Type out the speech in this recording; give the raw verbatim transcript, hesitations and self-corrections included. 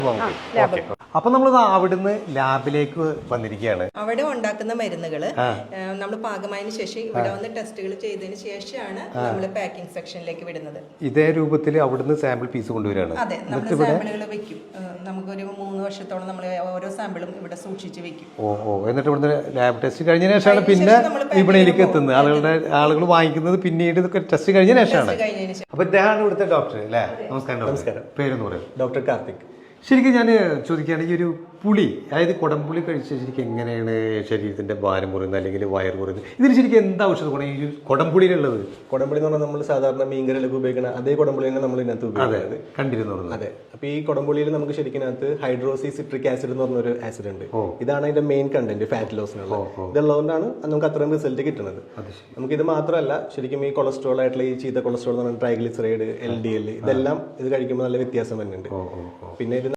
അപ്പൊ നമ്മൾ അവിടുന്ന് ലാബിലേക്ക് വന്നിരിക്കുകയാണ്. അവിടെ ഉണ്ടാക്കുന്ന മരുന്നുകൾ നമ്മൾ പാകമായതിനു ശേഷം ഇവിടെ വന്ന് ടെസ്റ്റുകൾ ചെയ്തതിന് ശേഷമാണ് നമ്മൾ പാക്കിംഗ് സെക്ഷനിലേക്ക് വിടുന്നത്. ഇതേ രൂപത്തിൽ അവിടുന്ന് സാമ്പിൾ പീസ് കൊണ്ടുവരാണ്. അതെ, നമ്മൾ സാമ്പിളുകൾ വെക്കും. നമുക്കൊരു മൂന്ന് വർഷത്തോളം നമ്മൾ ഓരോ സാമ്പിളും ഇവിടെ സൂക്ഷിച്ച് വെക്കും. ഓ ഓ എന്നിട്ട് ഇവിടുന്ന് ലാബ് ടെസ്റ്റ് കഴിഞ്ഞ ശേഷമാണ് പിന്നെ വിപണിയിലേക്ക് എത്തുന്നത്. ആളുകളുടെ ആളുകൾ വാങ്ങിക്കുന്നത് പിന്നീട് ടെസ്റ്റ് കഴിഞ്ഞ ശേഷമാണ്. അപ്പൊ ഇദ്ദേഹമാണ് ഇവിടുത്തെ ഡോക്ടർ അല്ലേ? നമസ്കാരം. നമസ്കാരം. പേരെന്ന് പറയും? ഡോക്ടർ കാർത്തിക്. ശരിക്കും ഞാൻ ചോദിക്കുകയാണെങ്കിൽ ഒരു പുളി, അതായത് കുടംപുളി കഴിച്ചാൽ ശരിക്കും എങ്ങനെയാണ് ശരീരത്തിന്റെ ഭാരം കുറയുന്നത് അല്ലെങ്കിൽ വയർ കുറയുന്നത്? ഇതിന് ശരിക്കും എന്താ ഔഷധ ഗുണം ഈ കുടംപുളിയിലുള്ളത്? കുടംപുളി എന്ന് പറഞ്ഞാൽ നമ്മൾ സാധാരണ മീൻകറിയിലൊക്കെ ഉപയോഗിക്കുന്ന അതേ കുടംപുളിയാണ് നമ്മൾ ഇതിനകത്ത് ഉപയോഗിക്കുന്നത്. കണ്ടിരുന്നു. അതെ. അപ്പൊ ഈ കുടംപുളിയിൽ നമുക്ക് ശരിക്കും ഹൈഡ്രോസി സിട്രിക് ആസിഡ് എന്ന് പറഞ്ഞൊരു ആസിഡ് ഉണ്ട്. ഇതാണ് അതിന്റെ മെയിൻ കണ്ടന്റ് ഫാറ്റ് ലോസിനുള്ള. ഇതുള്ളതുകൊണ്ടാണ് നമുക്ക് അത്രയും റിസൾട്ട് കിട്ടുന്നത്. നമുക്ക് ഇത് മാത്രമല്ല, ശരിക്കും ഈ കൊളസ്ട്രോൾ ആയിട്ടുള്ള ഈ ചീത്ത കൊളസ്ട്രോൾ എന്ന് പറഞ്ഞാൽ ട്രൈഗ്ലിസറൈഡ്, എൽ ഡി എൽ, ഇതെല്ലാം ഇത് കഴിക്കുമ്പോൾ നല്ല വ്യത്യാസം വരുന്നുണ്ട്. പിന്നെ ഇത്